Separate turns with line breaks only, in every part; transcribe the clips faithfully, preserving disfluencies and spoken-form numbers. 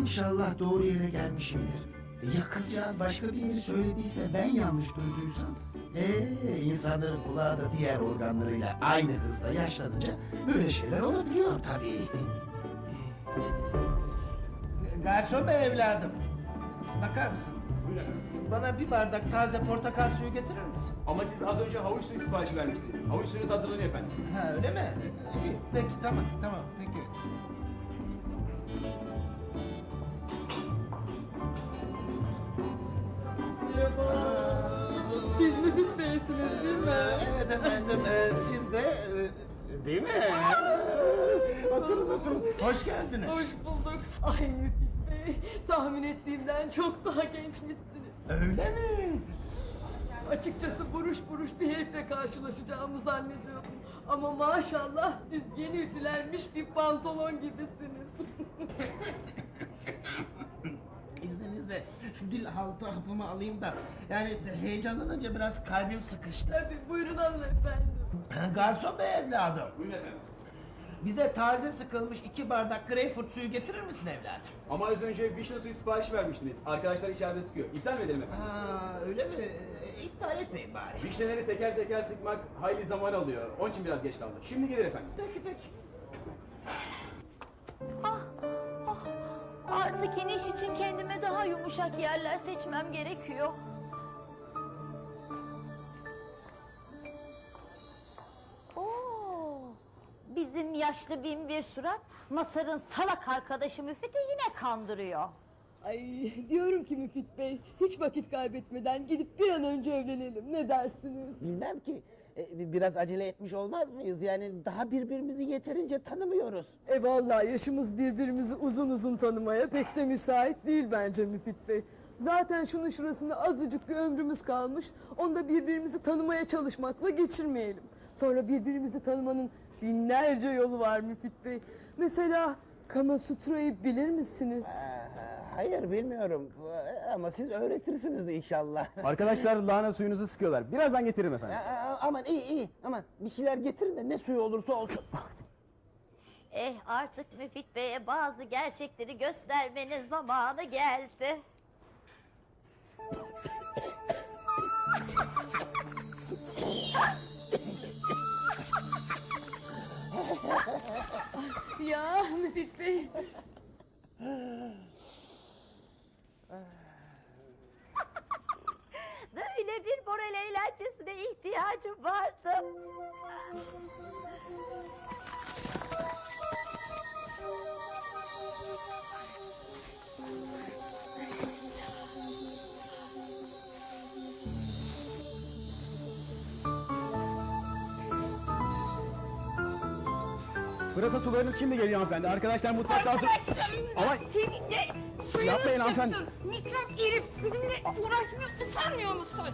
İnşallah doğru yere gelmişimdir. Ya kızcağız başka bir yeri söylediyse, ben yanlış duyduysam? Ee, insanların kulağı da diğer organlarıyla aynı hızla yaşlanınca böyle şeyler olabiliyor tabii. Garson bey evladım, bakar mısın?
Buyurun efendim.
Bana bir bardak taze portakal suyu getirir misin?
Ama siz az önce havuç suyu siparişi vermiştiniz. Havuç suyunuz hazırlanıyor efendim.
Ha öyle mi? İyi, peki tamam tamam peki.
Siz Müfit Bey'siniz değil mi?
Evet efendim, e, siz de e, değil mi? Oturun oturun, hoş geldiniz.
Hoş bulduk. Ay Müfit Bey, tahmin ettiğimden çok daha gençmişsiniz.
Öyle mi?
Açıkçası buruş buruş bir herifle karşılaşacağımı zannediyordum. Ama maşallah siz yeni ütülenmiş bir pantolon gibisiniz.
İzninizle şu dil haltı hapımı alayım da, yani heyecanlanınca biraz kalbim sıkıştı.
Tabii buyurun alın efendim.
Garson bey evladım,
Buyurun efendim.
bize taze sıkılmış iki bardak greyfurt suyu getirir misin evladım?
Ama az önce vişne suyu siparişi vermiştiniz. Arkadaşlar içeride sıkıyor. İptal mi edelim efendim?
Ha öyle mi? E, İptal etmeyin bari.
Vişneleri teker teker sıkmak hayli zaman alıyor. Onun için biraz geç kaldı. Şimdi gelir efendim.
Peki peki.
Ah, ah. Artık iniş için kendime daha yumuşak yerler seçmem gerekiyor. Oo, bizim yaşlı bin bir surat Masar'ın salak arkadaşı Müfit'i yine kandırıyor.
Ay diyorum ki Müfit Bey, hiç vakit kaybetmeden gidip bir an önce evlenelim. Ne dersiniz?
Bilmem ki, e, biraz acele etmiş olmaz mıyız? Yani daha birbirimizi yeterince tanımıyoruz.
E vallahi yaşımız birbirimizi uzun uzun tanımaya pek de müsait değil bence Müfit Bey. Zaten şunun şurasında azıcık bir ömrümüz kalmış. Onu da birbirimizi tanımaya çalışmakla geçirmeyelim. Sonra birbirimizi tanımanın binlerce yolu var Müfit Bey. Mesela Kama Sutra'yı bilir misiniz?
Aa, hayır bilmiyorum ama siz öğretirsiniz inşallah.
Arkadaşlar lahana suyunuzu sıkıyorlar. Birazdan getiririm efendim.
Aa, aman iyi iyi, aman bir şeyler getirin de ne suyu olursa olsun.
Eh artık Müfit Bey'e bazı gerçekleri göstermenin zamanı geldi.
Ya Müfit Bey.
Böyle bir moral eğlencesine ihtiyacım vardı.
Pırasa sularınız şimdi geliyor hanımefendi. Arkadaşlar mutfakta hazır. Ama
Senin de suyunu
Yapmayın hanımefendi.
sıksın. Mikrop herif bizimle uğraşmıyor, utanmıyor musun?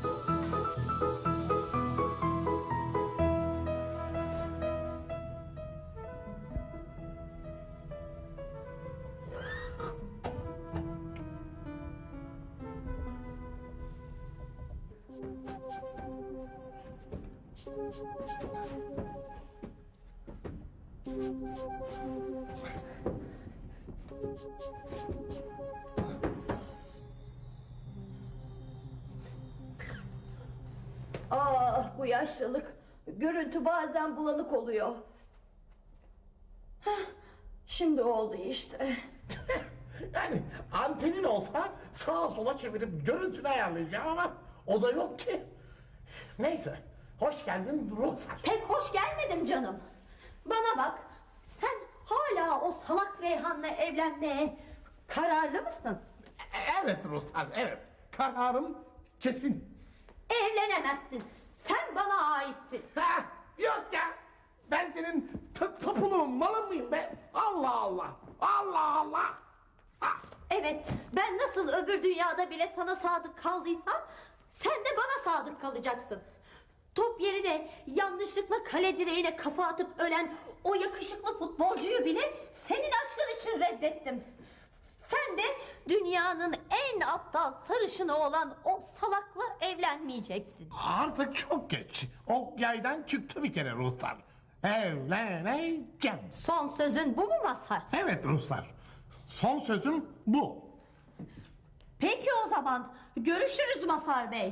Ah bu yaşlılık. Görüntü bazen bulanık oluyor. Hah, şimdi oldu işte.
Yani antenin olsa sağa sola çevirip görüntünü ayarlayacağım ama o da yok ki. Neyse, hoş geldin Ruslar.
Pek hoş gelmedim canım. Bana bak, sen hala o salak Reyhan'la evlenmeye kararlı mısın?
E- Evet Ruslar, evet. Kararım kesin.
Evlenemezsin. Sen bana aitsin.
Ha, yok ya. Ben senin t- tapuluğun, malın mıyım be? Allah Allah, Allah Allah. Ha.
Evet, ben nasıl öbür dünyada bile sana sadık kaldıysam sen de bana sadık kalacaksın. Top yerine yanlışlıkla kale direğine kafa atıp ölen o yakışıklı futbolcuyu bile senin aşkın için reddettim. Sen de dünyanın en aptal sarışını olan o salakla evlenmeyeceksin.
Artık çok geç. O yaydan çıktı bir kere Ruslar. Evleneceğim.
Son sözün bu mu Mazhar?
Evet Ruslar. Son sözüm bu.
Peki o zaman görüşürüz Mazhar Bey.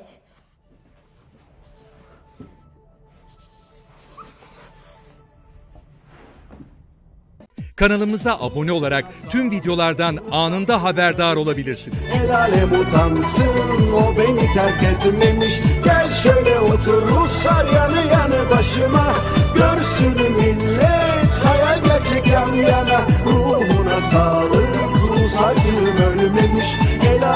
Kanalımıza abone olarak tüm videolardan anında haberdar olabilirsiniz.
El alem utansın, o beni terk etmemiş. Gel şöyle otur Ruslar yanı yanı başıma. Görsün millet, hayal gerçek yan yana. Ruhuna sağlık, Rus acım ölmemiş. El